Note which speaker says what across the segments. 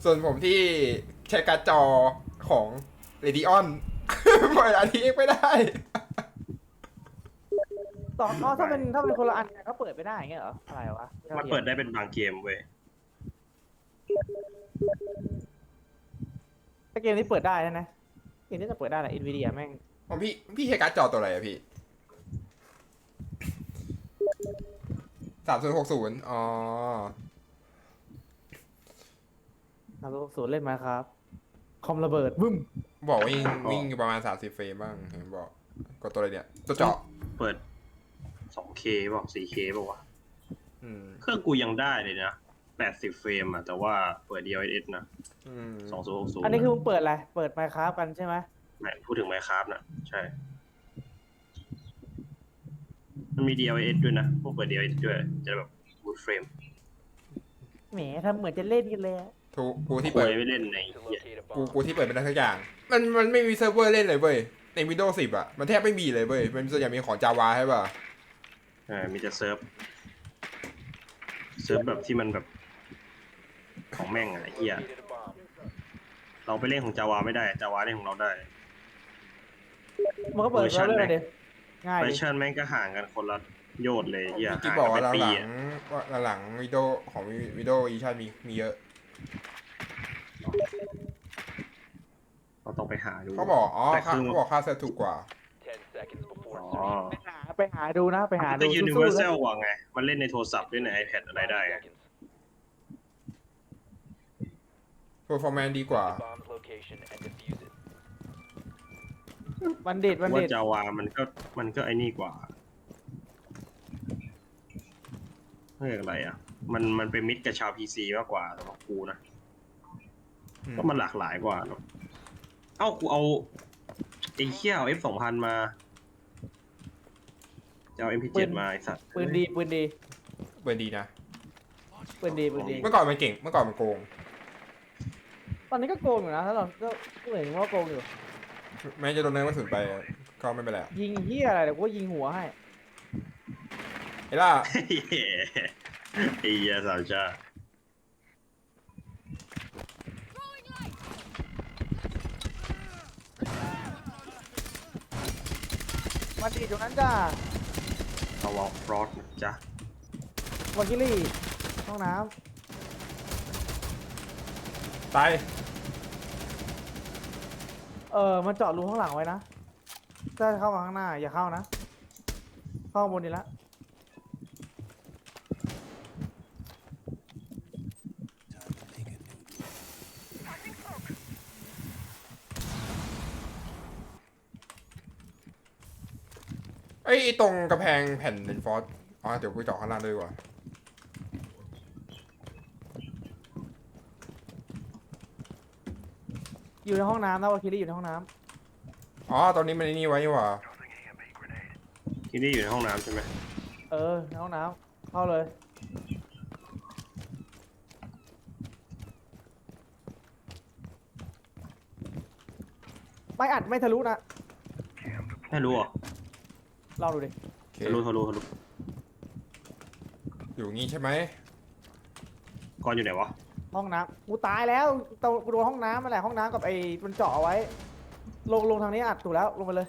Speaker 1: ส่วนผมที่ใช้การ์ดจอของ Radeon เปิด RTX ไม่ได้
Speaker 2: ต่ออ๋อถ้าเป็นคนละอันกันก็เปิดไม่ได้อย่างเงี้ยเหรออะไรวะ
Speaker 3: มันเปิดได้เป็นบางเกมเว้ย
Speaker 2: ถ้าเกมนี้เปิดได้นะเกมนี้จะเปิดได้แหละ Nvidia แม่ง
Speaker 1: ของพี่ใช้การ์ดจอตัวอะไรอะพี่3060อ๋อ
Speaker 2: 3060เล่นมาครับคอมระเบิดบึ้ม
Speaker 1: บอกวิ่งอยู่ประมาณ30เฟรมบ้างเห็นบอกก็ตัวอะไรเนี่ยตัวเจาะ
Speaker 3: เปิด 2K บอก 4K บอกว่า
Speaker 1: อืม
Speaker 3: เครื่องกูยังได้เลยนะ80เฟรมอะแต่ว่าเปิด DLSS นะ
Speaker 1: อืม
Speaker 3: 2060
Speaker 2: อันนี้คือมึงเปิดอะไรเปิด Minecraft กันใช่ไหม
Speaker 3: ไม่พูดถึง Minecraft นะใช่มันมี DLSS ด้วยนะพวกเปิด DLSS ด้วยจะแบบ full frame
Speaker 2: แหมทำเหมือนจะเล่นกันเลยอะ
Speaker 1: กูที่
Speaker 3: ค
Speaker 1: เปิ
Speaker 3: ว
Speaker 1: ด
Speaker 3: ยไม่เล่นในเหี้ย
Speaker 1: กูที่เปิดเป็นได้ทุกอย่างมันไม่มีเซิร์ฟเวอร์เล่นเลยเว้ยใน Windows 10อ่ะมันแทบไม่มีเลยเว้ยมันส่วนใหญ่มีของ Java ใช่ป่ะ
Speaker 3: มีแต่เซิร์ฟแบบที่มันแบบของแม่งอะไรเหี้ยเราไปเล่นของ Java ไม่ได้ Java เล่นของเราได้
Speaker 2: มันก็เปิด
Speaker 3: เวอร์ชั
Speaker 2: เรา
Speaker 3: น
Speaker 2: เล่นเลยดิง่าย
Speaker 3: เวอ
Speaker 2: ดิ
Speaker 3: ร์ชันแม่งก็ห่างกันคนละโยชน์เลยเหี้ย
Speaker 1: ที่
Speaker 3: ห่าง
Speaker 1: บอก
Speaker 3: กัน
Speaker 1: ว่า
Speaker 3: เป็นปี
Speaker 1: หลังวิดีโอของวิดีโออีชันมีเยอะ
Speaker 3: เราต้องไปหาดู
Speaker 1: เขาบอกอ๋อ
Speaker 3: แต่คือ
Speaker 1: เขาบอกค่าเซิร์ฟถูกกว่า
Speaker 3: อ๋อ
Speaker 2: ไปหาดูนะไปหา
Speaker 3: มัน
Speaker 2: ดู
Speaker 3: ก็
Speaker 2: สู้ๆนะ
Speaker 3: universal กว่าไง มันเล่นในโทรศัพท์เล่นใน iPad อะไรได้ไง
Speaker 1: performance ดีกว่า
Speaker 2: บัณฑิต
Speaker 3: ว่า Java มันก็ไอ้นี่กว่าเรียกอะไรอ่ะ มันเป็นมิตรกับชาว PC มากกว่าสำหรับกูนะ
Speaker 1: อืม
Speaker 3: ก็มันหลากหลายกว่าเนอะเอ้ากูเอาไอ้เหี้ยเอา F2000 มาจะเอา MP7 มาไอ้สัตว์
Speaker 2: ปืนดีปืนดี
Speaker 1: เปิดดีนะ
Speaker 2: ปืนดีปืนดี
Speaker 1: เมื่อก่อนมันเก่งเมื่อก่อนมันโกง
Speaker 2: ตอนนี้ก็โกงอยู่นะถ้าเราก็เห็นว่าโกงอยู่
Speaker 1: แม้จะโดนเนินกระสุนไปก็ไม่เป็นไร
Speaker 2: ยิงเฮียอะไรเดี๋ยวกูยิงหัวให้
Speaker 1: ไอ้ล่า
Speaker 3: ไอ้เหี้ยสาวจ้า
Speaker 2: บัณฑิตตรงนั้นจ้า
Speaker 3: เอาวอลฟรอสนะจ๊ะ
Speaker 2: วากิลี่ห้องน้
Speaker 1: ตาย
Speaker 2: ำมันเจาะรูข้างหลังไว้นะถ้าเข้ามาข้างหน้าอย่าเข้านะเข้าข้างบนดีละ
Speaker 1: ไอ้ตรงกระแพงแผ่นเลนฟอร์สอ๋อเดี๋ยวกูเจาะข้างล่างด้วยดีกว่า
Speaker 2: อยู่ในห้องน้ำนะวากิลี่อยู่ในห้องน้
Speaker 1: อ๋อตอนนี้มันไอ้นี่ไว้นี่หว่า
Speaker 3: ที่นี่อยู่ในห้องน้ำใช่ไหม
Speaker 2: ำในห้องน้ำเข้าเลยไม่อัดไม่ทะลุนะ
Speaker 3: ไม่รู้เหรอ่ะ
Speaker 2: ลองดูดิ
Speaker 1: โอเค
Speaker 3: ทะลุ
Speaker 1: อยู่งี้ใช่ไหม
Speaker 3: ก่อนอยู่ไหนวะ
Speaker 2: ห้องน้ำกูตายแล้วกูโดนห้องน้ำมาแหละห้องน้ำกับไอ้มันเจาะเอาไว้ ลงทางนี้อัดถูกแล้วลงไปเลย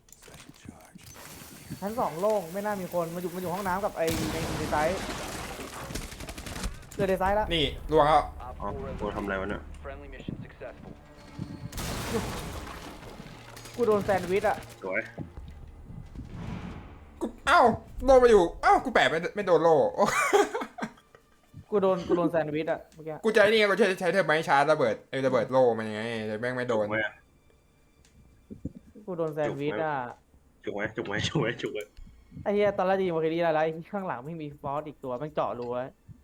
Speaker 2: ชั้นสองโล่งไม่น่ามีคนมันอยู่ห้องน้ำกับไอ้ในไซส์เจอในไซส์แล้ว
Speaker 1: นี่ลวงแล้ว
Speaker 3: อ๋อกูทำอะไรวะเนี่ย
Speaker 2: กูโดนแซนด์วิชอะ
Speaker 3: สวย
Speaker 1: กูเอ้าโดนมาอยู่เอ้ากูแปะไม่โดนโล่
Speaker 2: กูโดนแซนด์วิชอะเมื่อกี้
Speaker 1: กูจะไอ้นี่ไงกูใช้เทอร์ไมชาร์จระเบิดระเบิดโล่มันยังไงแต่แม่งไม่โดน
Speaker 3: จุกไหม
Speaker 2: กูโดนแซนด์วิชอะ
Speaker 3: จุกไหม
Speaker 2: ไอ้เหี้ยตอนแรกจะยิงวาคิลี่อะไรข้างหลังไม่มีฟอสอีกตัวแม่งเจาะรูไว้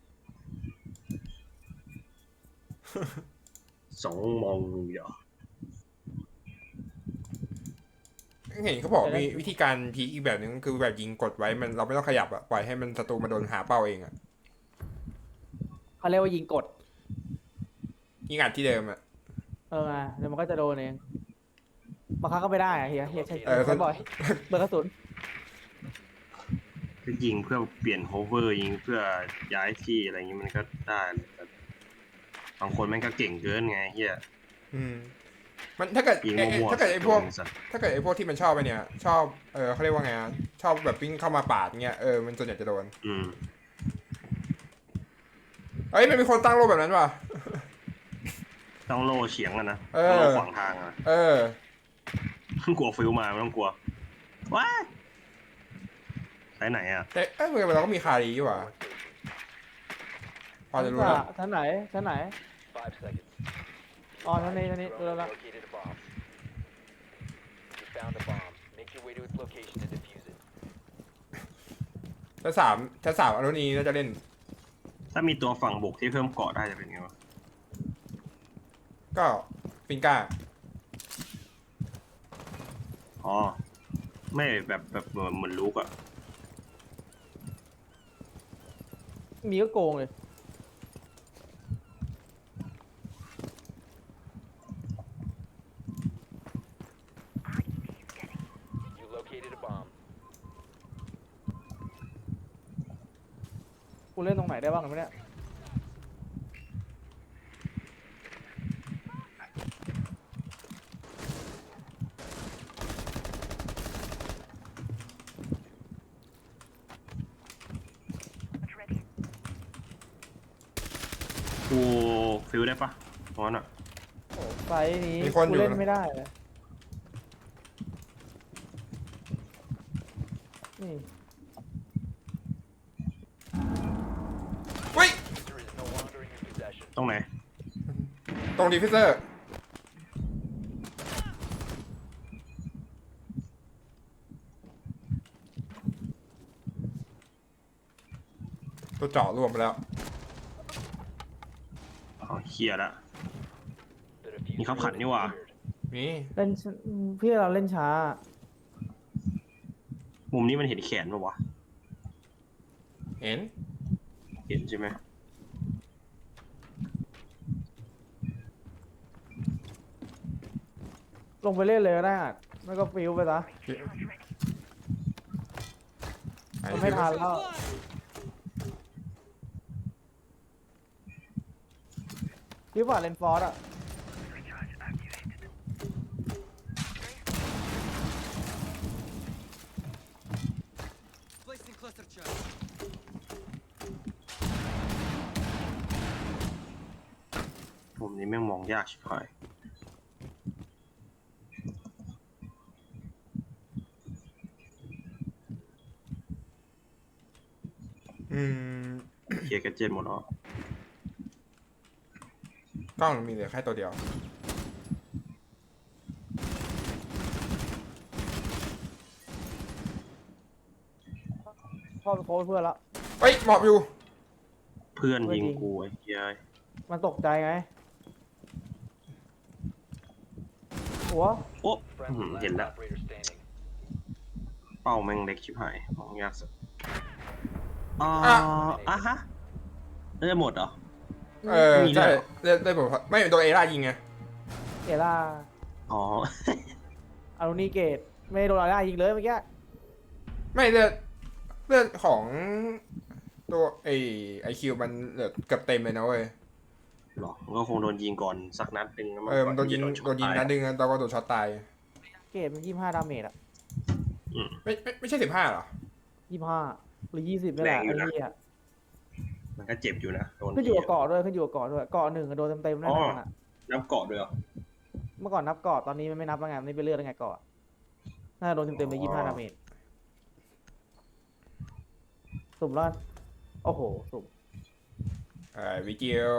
Speaker 3: สองมองอย่า
Speaker 1: เห็นเขาบอกมีวิธีการพีคอีกแบบนึงคือแบบยิงกดไว้มันเราไม่ต้องขยับอะปล่อยให้มันศัตรูมาโดนหาเป้าเองอะ
Speaker 2: เขาเรียกว่ายิงกด
Speaker 1: ยิงอัดที่เดิมอะ
Speaker 2: เดี๋ยวมันก็จะโดนเองบางครั้งก็ไม่ได้อะเฮียใช่
Speaker 1: เออ
Speaker 2: ใช่บ่อยเบิร์กระสุน
Speaker 3: คือยิงเพื่อเปลี่ยนโฮเวอร์ยิงเพื่อย้ายที่อะไรอย่างงี้มันก็ได้แต่บางคนแม่งก็เก่งเกินไงเฮีย
Speaker 1: อืมมันถ้าเกิด
Speaker 3: ยิงมั่วๆ
Speaker 1: ถ้าเกิดไอ้พวก
Speaker 3: โดนสัตว์
Speaker 1: ถ้าเกิดไอ้พวกที่มันชอบไปเนี่ย ชอบเขาเรียกว่าไงอะชอบแบบวิ่งเข้ามาปาดเงี้ยมันส่วนใหญ่จะโดน
Speaker 3: อืม
Speaker 1: เอ้ยมันมีคนตั้งโลแบบนั้นว่ะ
Speaker 3: ต้องโล่เฉียงอะนะ
Speaker 1: เออ
Speaker 3: ต้องโล่ขวางทางอะ
Speaker 1: เออ
Speaker 3: กลัวฟิวมาไม่ต้องกลัวว้ายใช้ไหนอะ
Speaker 1: แต่เราก็มีคารีอยู่ว่ะพอจะรู้แล้ว
Speaker 2: ชั้นไหนชั้นไหน
Speaker 4: 5 seconds.
Speaker 2: อ๋อชั้นนี้ดูแล้ว
Speaker 4: Located a bomb. You found a bomb. Make your way to its location and defuse it.
Speaker 1: ชั้น 3อนุนีน่าจะเล่น
Speaker 3: ถ้ามีตัวฝั่งบุกที่เพิ่มเกาะได้จะเป็นไงวะ
Speaker 1: ก็ฟิงก้า
Speaker 3: อ๋อ ไม่แบบเหมือนลูกอะ
Speaker 2: มีก็โกงเลย
Speaker 4: You located a bomb.
Speaker 2: กูเล่นตรงไหนได้บ้างไหมเนี่ย
Speaker 3: กูฟิวได้ปะเพราะนั้นอะ
Speaker 2: โอ้ไซส์นี้
Speaker 1: มีคนอยู่
Speaker 2: กูเล่น
Speaker 1: นะ
Speaker 2: ไม่ได้เลยนี่
Speaker 1: เฮ้ย
Speaker 4: There is no longer in your possession.
Speaker 3: ตรงไหน
Speaker 1: ตรงดีฟิเซอร์ ตัวเจาะรวมไปแล้ว
Speaker 3: อ๋อเคลียร์ละ
Speaker 4: The diffuser
Speaker 3: มีขับขันนี่หว่า
Speaker 4: has secured.
Speaker 1: นี่
Speaker 2: เล่นพี่เราเล่นช้า
Speaker 3: มุมนี้มันเห็นแขนปะวะ
Speaker 1: เห็น
Speaker 3: เห็นใช่ไหม
Speaker 2: ลงไปเล่นเลยก็ได้อะไม่ก็ฟิวไปซะมันไม่ทันแล้วพี่ฝ่าเลนฟอร์ดอะ
Speaker 3: มุมนี้แม่งมองยากชิบหาย
Speaker 1: อืม
Speaker 3: เคลียร์แกดเจ็ตหมดแล้ว
Speaker 1: กล้องมีเหลือแค่ตัวเดียว
Speaker 2: พ่อไปโค้ชเพื่อนละ
Speaker 1: เฮ้ยหมอบอยู่
Speaker 3: เพื่อน
Speaker 2: เพื่อน
Speaker 3: ยิง
Speaker 2: ยิง
Speaker 3: กูไอ้เหี้ย
Speaker 2: มันตกใจไง หัว
Speaker 3: โอ้
Speaker 4: Friendly
Speaker 3: เห็น
Speaker 4: last
Speaker 3: แล้ว
Speaker 4: operator standing.
Speaker 3: เป้าแม่งเล็กชิบหายมองยากสุดอ๋อ
Speaker 1: อ่ะ
Speaker 3: อ่ะฮะเลือดหมดเหรอ มีด้วย
Speaker 1: ใช่
Speaker 3: เหรอ
Speaker 1: ได้ผมไม่โดนเอร่ายิงไง
Speaker 2: เอล่า
Speaker 3: อ๋อ
Speaker 2: อารุณีเกตไม่โดนอะไรยิงเลยเมื่อกี้
Speaker 1: ไม่เลือดของตัวไอคิวมันเหลือเกือบเต็มเลยนะเว้ย
Speaker 3: หรอมันก็คงโดนยิงก่อนสักนัดหนึ่งแล้ว
Speaker 1: มันโดนยิง
Speaker 3: ก่อ
Speaker 1: โดนยิง
Speaker 3: ช็อต
Speaker 1: นั
Speaker 3: ตา
Speaker 1: ดนึงแล้วก็โดนช็อตตาย
Speaker 2: เกตมัน25 ดาเมจอะ
Speaker 1: ไม่ใช่15หรอ
Speaker 2: 25 หรือ 20นี่แหละไอ้เหี้ย
Speaker 3: มันก็เจ็บอยู่นะโดน
Speaker 2: ขึ้นอยู่กับเกาะด้วยขึ้นอยู่กับเกาะด้วยเกาะหนึ่งอะโดนเต็มๆแน่นอนอะ
Speaker 3: น้ำเกาะด้วยเหรอ
Speaker 2: เมื่อก่อนนับเกาะตอนนี้มันไม่นับแล้วไงมันนี่ไปเลือกได้ไงเกาะน่าจะโดนเต็มๆไป25 ดาเมจสุ่มรอดโอ้โหสุ่ม
Speaker 1: วิจิโอก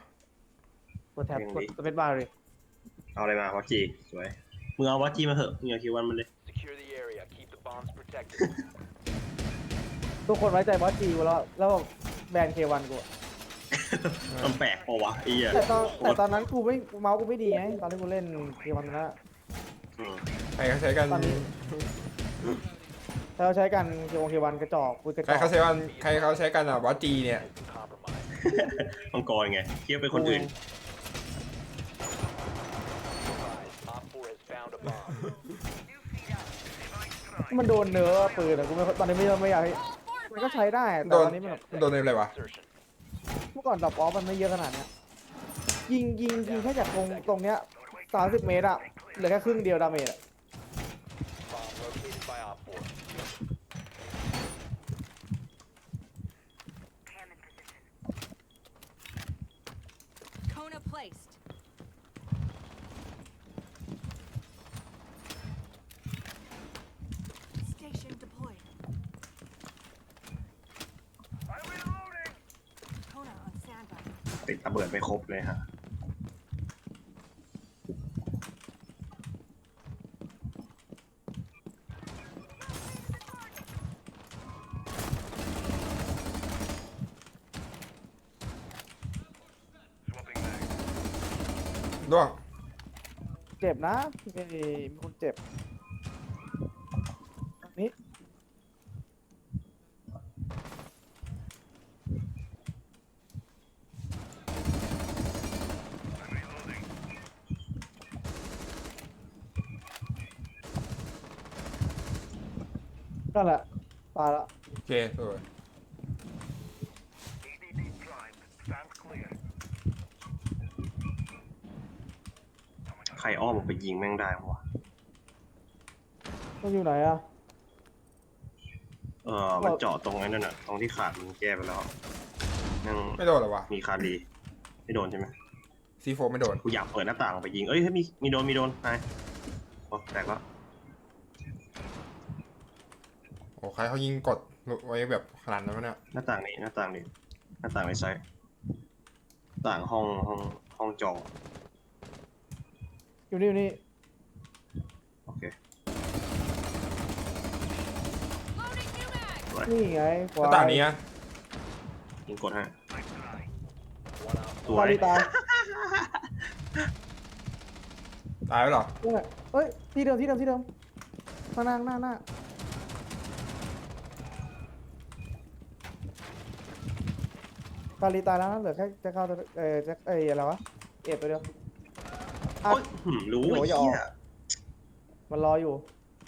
Speaker 2: ดแท็บกดสเปซบาร์เลย
Speaker 3: เอาอะไรมาวะจีสวยมึงเอาวะจีมาเถอะมึงเอาคิววันมันเลย
Speaker 4: Secure the area. Keep the bombs protected.
Speaker 2: ทุกคนไว้ใจบอสจีกูแล้วแบนเควันกูอะ
Speaker 3: มันแปลกปะวะไอ้เหี้ย
Speaker 2: แต่ตอนนั้นกูไม่เมาส์กูไม่ดีไงตอนที่กูเล่นเควันนั้นอะ
Speaker 3: อืม
Speaker 1: ใครเขาใช้กัน
Speaker 2: ตอนนี้ ถ้าเราใช้กันเควันกระจอกกูกระจ
Speaker 1: ใคร
Speaker 2: อก
Speaker 1: เขาใช้กันวอจีเนี่ย
Speaker 4: Compromise.
Speaker 3: มังกรไงเทียบเป็นคนอื่น
Speaker 4: Surprise. Op 4 has found a bomb.
Speaker 2: มันโดนเนื้อปืนอะกูไม่ตอนนี้ไม่อยากให้มันก็ใช้ได้แต่
Speaker 1: โดน
Speaker 2: ตอนนี้มัน
Speaker 1: โดนในอะไรวะ
Speaker 4: Insertion.
Speaker 2: เมื่อก่อนดรอปออฟมันไม่เยอะขนาดเนี้ยยิงแค่จากตรงเนี้ย30 เมตรอะเหลือแค่ครึ่งเดียวดาเมจอะ
Speaker 4: Bomb located by Op 4.
Speaker 5: Kona placed. Station deployed. Kona on standby.
Speaker 3: ติดระเบิดไม่ครบเลยฮะ
Speaker 1: ร่วง
Speaker 2: เจ็บนะมีคนเจ็บตรงนี้นั่นแหละตายละ
Speaker 1: โอเคสวย
Speaker 3: ใครอ้อมออกไปยิงแม่งได้วะ
Speaker 2: มันอยู่ไหนอะ
Speaker 3: มันเจาะตรงไอ้นั่นน่ะตรงที่ขาดมันแก้ไปแล้วยัง
Speaker 1: ไม่โดนเหรอวะ
Speaker 3: มีคารีไม่โดนใช่ไหม
Speaker 1: C4 ไม่โดน
Speaker 3: กูอยากเปิดหน้าต่างออกไปยิงเอ้ยมีโดนนายโอ้แตกแล้ว
Speaker 1: โอ้ใครเขายิงกดไว้แบบขนาดนั้นวะเนี่ย
Speaker 3: หน้าต่างในไซต์ต่างห้องจอ
Speaker 2: อยู่นี่
Speaker 3: โอเค
Speaker 5: Loading new mag.
Speaker 2: นี่ไง
Speaker 1: หน้าต่างนี้อะ
Speaker 3: ยิงกดให้
Speaker 4: One Op
Speaker 3: ตัว
Speaker 2: ตาย
Speaker 3: ไอ้
Speaker 2: ตาย
Speaker 1: ตายแล้วเหรอ
Speaker 2: นี่นแหละเอ้ยที่เดิมมานั่งหน้าตาลีตายแล้วนะเหลือแค่จะเข้าตัวจะอะไรวะเอ็ดไปเดียว
Speaker 3: โอ้ยรู้ไอ้เหี้ย
Speaker 2: มันรออยู่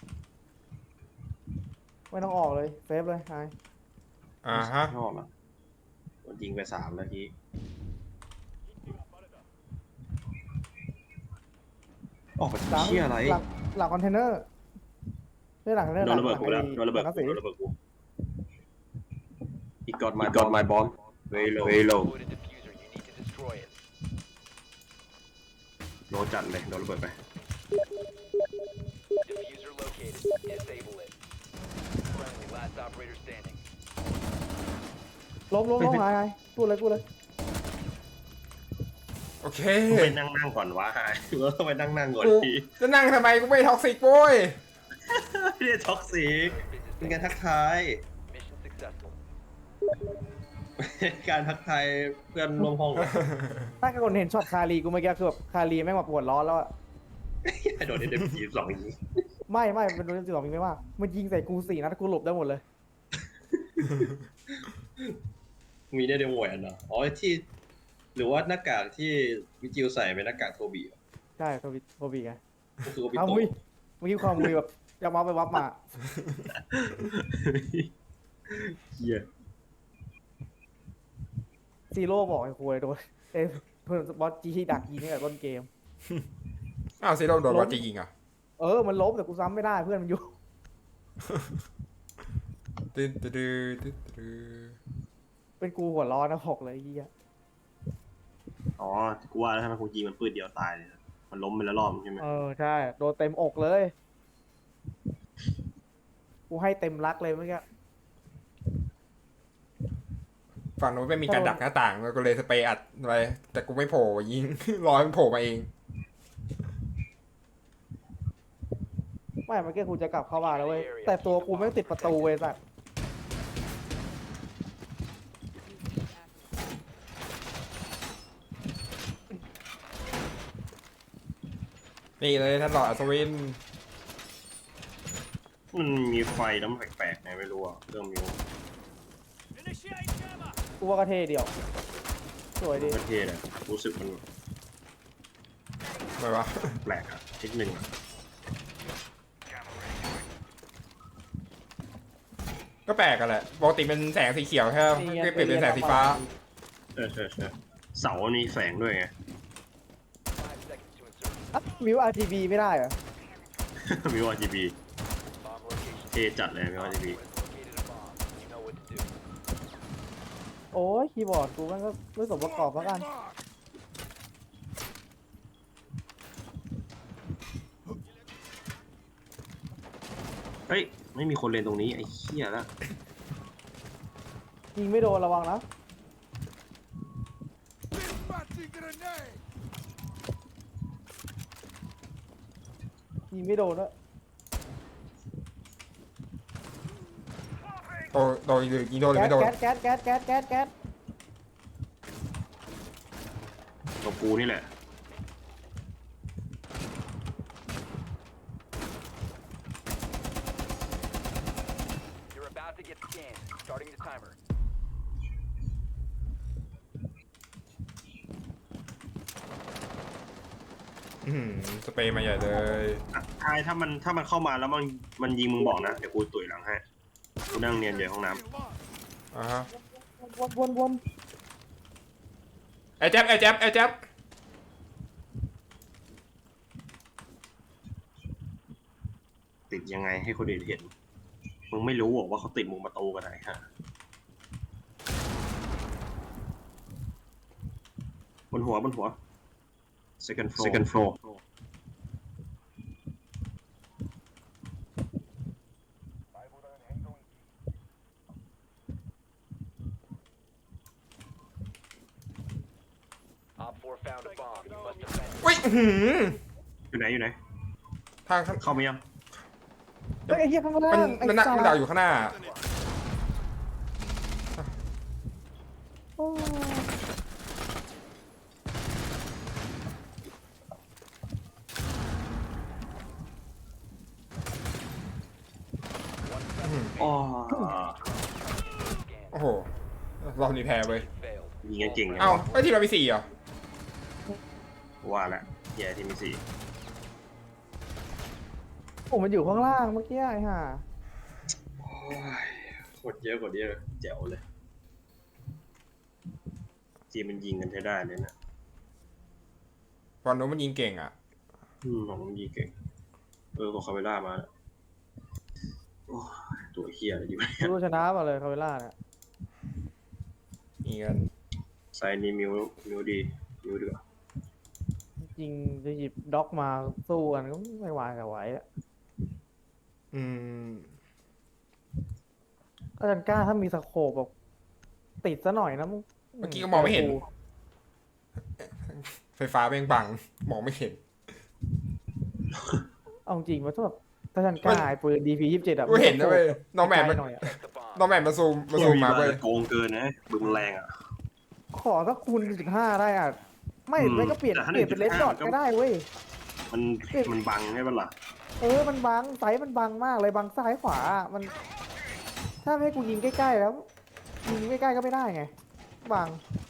Speaker 2: ไม่ต้องออกเลยเซฟเลยหาย
Speaker 1: ฮะ
Speaker 3: ชอบอ่ะยิงไป3 นาทีออกไป
Speaker 2: หลัง
Speaker 3: เชี่ยอะไร
Speaker 2: หลังคอนเทนเนอร์ไม่หลังคอนเทนเนอร์
Speaker 3: โดนระเบิดกูแล้วโดนระเบิด
Speaker 2: หลัง
Speaker 3: กู
Speaker 2: สี
Speaker 3: โดนระเบิดกู He got my bomb very low
Speaker 4: Put a diffuser. You need to destroy it.
Speaker 3: โลจัดเลยโดนระเบิดไป
Speaker 4: Diffuser located. Disable it. Friendly, last operator standing.
Speaker 2: ล้มหายพูดเลย
Speaker 1: โอเค
Speaker 3: ไปนั่งก่อนวะหรือว่าต้องไปนั่งก่อน
Speaker 1: กู
Speaker 3: ที
Speaker 1: จะนั่งทำไมกูไม่ท็อกซิกโว้ย
Speaker 3: ไม่ได้ท็อกซิก
Speaker 4: Business
Speaker 3: เป็นการ
Speaker 4: standing.
Speaker 3: ทักทาย
Speaker 4: Mission successful.
Speaker 3: การทักทายเพื่อนร่วมห้องอะ
Speaker 2: ถ้าคนเห็นช็อตคารีกูเมื่อกี้คือแบบคารีแม่งมาปวดร้อนแล้วอะ
Speaker 3: โดนเด็มจี2อย่างนี้
Speaker 2: ไม่เป็นโดนสิบสองยิงไม่ว่ามันยิงใส่กู4 นัดกูหลบได้หมดเลย
Speaker 3: มีได้เดมวยอันเนาะอ๋อที่หรือว่าหน้ากากที่วิจิวใส่เป็นหน้ากากโทบีเหรอ
Speaker 2: ใช่โคบีไง
Speaker 3: ก็คือโทบี
Speaker 2: เอา
Speaker 3: โต
Speaker 2: มุ้ยเมื่อกี้ความมุ้ยแบบจะมาไปวับมา
Speaker 3: เฮีย
Speaker 2: ซีโร่บอกไอ้คุยโดนเพื่อนบอสจีดักยิงตั้งแต่ต้นเกม
Speaker 1: อ้าวซีโร่โดนวัดจะยิงอ่ะ
Speaker 2: มันล้มแต่กูซ้ำไม่ได้เพื่อนมันอยู่
Speaker 1: ตึ๊ดตึ๊ดตึ๊ดตึ๊ด
Speaker 2: เป็นกูหัวร้อนนะบอกเลยไอ้เหี้ย
Speaker 3: อ๋อกูว่าแล้วทำไมกูยิงมันปืนเดียวตายเลยมันล้มไปแล้วรอบใช่ไหม
Speaker 2: ใช่โดนเต็มอกเลย กูให้เต็มรักเลยเมื่อกี้
Speaker 1: ฝั่งนู้นไม่มีการดักหน้าต่างแล้วก็เลยสเปรย์อัดอะไรแต่กูไม่โผล่ยิง รอให้มันโผล่มาเอง
Speaker 2: ไม่เมื่อกี้กูจะกลับเข้าบ้านแล้วเว้ยแต่ตัวกูไม่ติดประตูเว้ยสัตว์
Speaker 1: นี่เลยท่านหลอดอัศวิน
Speaker 3: มันมีไฟแล้วมันแปลกๆไงไม่รู้อ่ะเริ่มมี
Speaker 2: กูว่ากระเทเดียวสวยดี
Speaker 3: ประเทศอ่ะรู้สึกมัน
Speaker 1: ไม่วะ
Speaker 3: แปลกอ่ะนิดนึงอะ
Speaker 1: ก็แปลกกันแหละปกติเป็นแสงสีเขียวใช่ไหมก็เปลี่ยนเป็นแสงสีฟ้า
Speaker 3: ใช่เสามันมีแสงด้วยไง
Speaker 2: มิว RGB ไม่ได้เหรอ
Speaker 3: มิว RGB
Speaker 4: Bomb location.
Speaker 3: เทจัดเลยมิว RGB
Speaker 4: Has located a bomb. You know what to do.
Speaker 2: โอ้ยคีย์บอร์ดกูมันก็ไม่สมประกอบแล้วกัน
Speaker 3: เฮ้ยไม่มีคนเล่นตรงนี้ไอ้เหี้ยละ
Speaker 2: ยิงไม่โดนระวังนะยิงไม่โดนด้วย
Speaker 1: โดนยิงโดนหรือไม่โดน
Speaker 2: แก๊ส
Speaker 3: กับกูนี่แหละ
Speaker 4: You're about to get scanned. Starting the timer.
Speaker 1: สเปรย์มาใหญ่เลย
Speaker 3: ทายถ้ามันเข้ามาแล้วมันยิงมึงบอกนะ เดี๋ยวกูตุ๋ยหลังให้กูนั่งเนียนอยู่ในห้องน้
Speaker 1: อ่าฮะ
Speaker 2: วน
Speaker 1: ไอ้แจ๊บ
Speaker 3: ำติดยังไงให้คนอื่นเห็น มึงไม่รู้หรอกว่าเขาติดมุมประตูกันไหนฮะบนหัว second floor
Speaker 4: Op 4 found a bomb. You must defend it.
Speaker 1: อุ้ย
Speaker 3: อยู่ไหน
Speaker 1: ทาง
Speaker 3: เข้ามายัง
Speaker 2: เฮ้ยไอ้เหี้ยข้างล่าง
Speaker 1: มันดักอยู่ข้างหน้า
Speaker 2: โอ้
Speaker 3: อ๋อ
Speaker 1: โอ้โหเราหนีแพ้เว้ย
Speaker 4: Failed.
Speaker 3: ยิงกันเก่งนะ
Speaker 1: เอ้าไอ้ทีมเรามี4เหรอ
Speaker 3: ว่าแหละแย่ที่มี4
Speaker 2: ผมมันอยู่ข้างล่างเมื่อกี้ไอ้ห่า
Speaker 3: โคตรเยอะกว่านี้เลยแจ๋วเลยจีมมันยิงกันใช้ได้เลยนะ
Speaker 1: ตอนนู้นมันยิงเก่งอ่ะ
Speaker 3: ของมันยิงเก่งของคาเวล่ามาแล้วโอ้ยตัวเฮียอะไรอยู่เนี่ย
Speaker 2: รู้ชนะมาเลยคาเวล่าเนี่ย
Speaker 1: มีกัน
Speaker 3: ไซน์นี้มิวดีกว่า
Speaker 2: จริงจะหยิบด็อกมาสู้กันก็ไม่วายกับไหวอะ
Speaker 1: อืม
Speaker 2: อาจารย์กล้าถ้ามีสโคปแบบติดซะหน่อยนะมึง
Speaker 1: เมื่อกี้ก็มองไม่เห็น ไฟฟ้าแม่งบังมองไม่เห็น
Speaker 2: เอาจริงว่าถ้าแบบถ้าอาจารย์กล้าไอ้ปืน DP27อะ
Speaker 1: กูเห็นนะเว้ยน้องแมนมัน
Speaker 2: หน่อยอะ
Speaker 4: Protect the bomb.
Speaker 1: น้องแมนมาซูมมาเว้ย
Speaker 3: โกงเกินนะบึงแรงอ่ะ
Speaker 2: ขอสักคูณ15ได้อ่ะไม่
Speaker 3: อืม
Speaker 2: ไม่ก็เปลี่ยน
Speaker 3: แต่ถ้า
Speaker 2: เปลี่ยนเป็นเลน
Speaker 3: 1.5
Speaker 2: ดอทก็ได้เว้ย
Speaker 3: มันบังใช่ปะล่ะ
Speaker 2: มันบังไซส์มันบังมากเลยบังซ้ายขวาอะมัน ถ้าให้กูยิงใกล้ๆแล้วยิงใกล้ๆก็ไม่ได้ไงบัง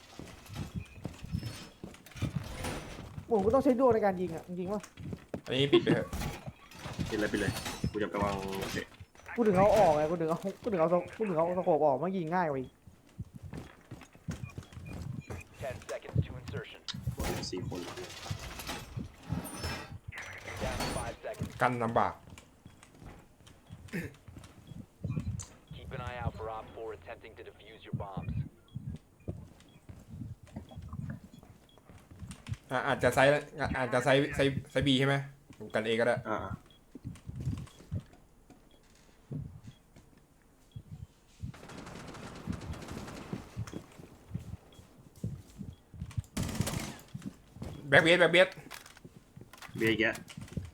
Speaker 2: ผมก็ต้องใช้ดวงในการยิงอ่ะจริงๆว่า
Speaker 1: อันนี้ปิดไปเถอะ
Speaker 3: ไปเลยกูจะไปวางเด็ก
Speaker 2: กูถึงเอาออกไงกูถึงเอาสโคปออกมายิงง่ายกว่าอีก
Speaker 4: 10 seconds to insertion.
Speaker 3: คน4 คน
Speaker 4: Down to 5 seconds.
Speaker 1: กันลำบาก
Speaker 4: Keep an eye out for Op 4 attempting to defuse your bombs.
Speaker 1: อาจจะไซส์บีใช่ไหมผมกันเองก็ได้ แบ็คเบียด
Speaker 3: เบียร์แกะ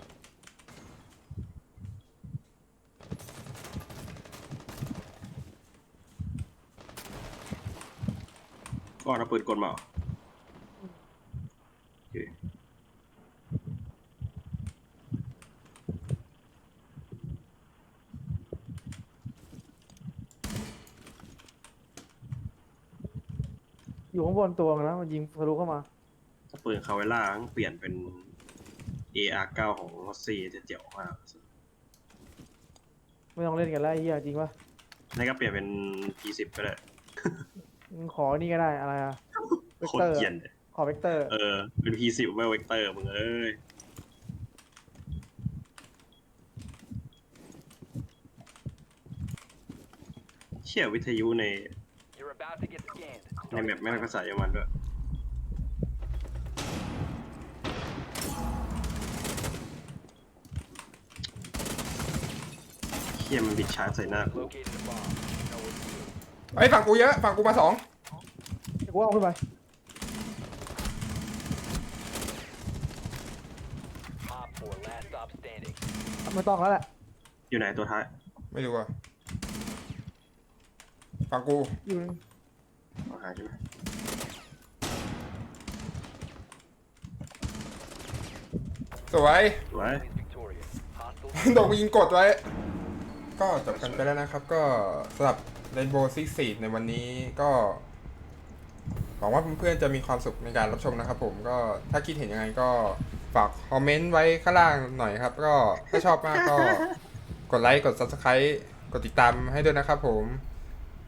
Speaker 3: ก็เอาปืนกลมาเหรอโอเค
Speaker 2: อยู่ข้างบนตัวมันนะมันยิงทะลุเข้ามา
Speaker 3: ถ้าปืนคาเวล่าต้องเปลี่ยนเป็น AR9 ของรอสซี่จะเจ๋วมาก
Speaker 2: ไม่ต้องเล่นกันแล้วไอ้เหี้ยจริงปะ
Speaker 3: นี่ก็เปลี่ยนเป็น P10 ก็ได้
Speaker 2: มึงขอนี่ก็ได้อะไรอะเวก
Speaker 3: โคต
Speaker 2: เต
Speaker 3: ร
Speaker 2: อร์
Speaker 3: เกรียนเลย
Speaker 2: ขอเวกเตอร์
Speaker 3: เป็น P10 ไม่เวกเตอร์มึงเอ้ยชี่ยวิทยุใน
Speaker 4: You're about to get scanned.
Speaker 3: ในแมปแม่งก็ใส่ออกมาด้วยเชี่ยมันบิดชาร์จใส่หน้ากู
Speaker 4: Located a bomb. Know what to do.
Speaker 1: ไอ้ยฝั่งกูเยอะฝั่งกูมา2
Speaker 2: เดี๋ยวกูเอาขึ้นไป
Speaker 4: Op 4, last stop standing.
Speaker 2: ไม่ต้องแล้วแหละ
Speaker 3: อยู่ไหนตัวท้าย
Speaker 1: ไม่รู้อะฝั่งกู
Speaker 2: อยู่
Speaker 3: เอาหาใช่ไหม
Speaker 1: สวย
Speaker 3: สวย
Speaker 4: Is victorious. Hostile.
Speaker 1: โดนกูยิงกดไว้ ก็จบกันไปแล้วนะครับ ก็สำหรับ Rainbow Six Siege ในวันนี้ก็หวังว่าเพื่อนๆจะมีความสุขในการรับชมนะครับผมก็ถ้าคิดเห็นยังไงก็ฝากคอมเมนต์ไว้ข้างล่างหน่อยครับ ก็ถ้าชอบมากก็กดไลค์กด Subscribe กดติดตามให้ด้วยนะครับผม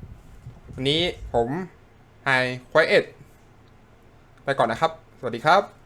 Speaker 1: วันนี้ผมไฮควายเอ็ดไปก่อนนะครับ สวัสดีครับ